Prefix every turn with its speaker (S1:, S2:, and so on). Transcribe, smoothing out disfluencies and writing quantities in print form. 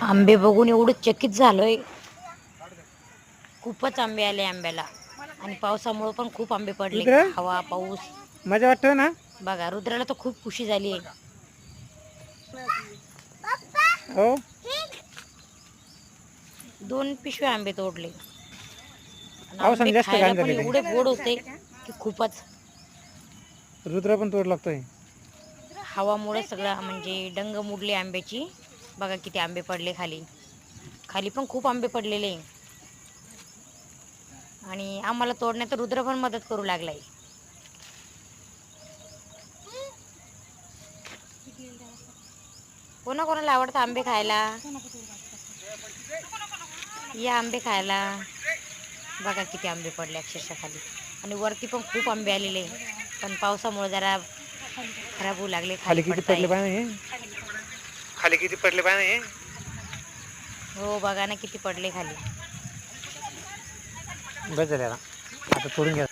S1: आंबे बघून एवढं चकित झालोय. खूपच आंबे आले आंब्याला आणि पावसामुळे पण खूप आंबे पडले.
S2: रुद्र
S1: हवा पाऊस
S2: मजा वाटतो ना.
S1: बघा रुद्राला तर खूप खुशी झाली आहे.
S2: हो
S1: 2 पिशव्या आंबे तोडले. आणि आंबे
S2: पावसाने जास्त
S1: खायला
S2: घाण
S1: पण
S2: झालेलं
S1: एवढे
S2: आहे.
S1: गोड होते की खूपच.
S2: रुद्र पण तोड लागतोय.
S1: हवामुळे सगळं म्हणजे डंग मुडली आंब्याची. बघा किती आंबे पडले खाली. खाली पण खूप आंबे पडलेले. आणि आम्हाला तोडण्यात रुद्र पण मदत करू लागलाय. कोणाकोणाला आवडतं आंबे खायला. या आंबे खायला. बघा किती आंबे पडले अक्षरशः खाली. आणि वरती पण खूप आंबे आलेले. पण पावसामुळे जरा खराब होऊ लागले. खाली
S2: किती
S1: पडताय.
S2: पडले पाय खाली किती पडले पाय.
S1: हो बघा ना किती पडले खाली.
S2: बस झाले आता तोडून घ्या.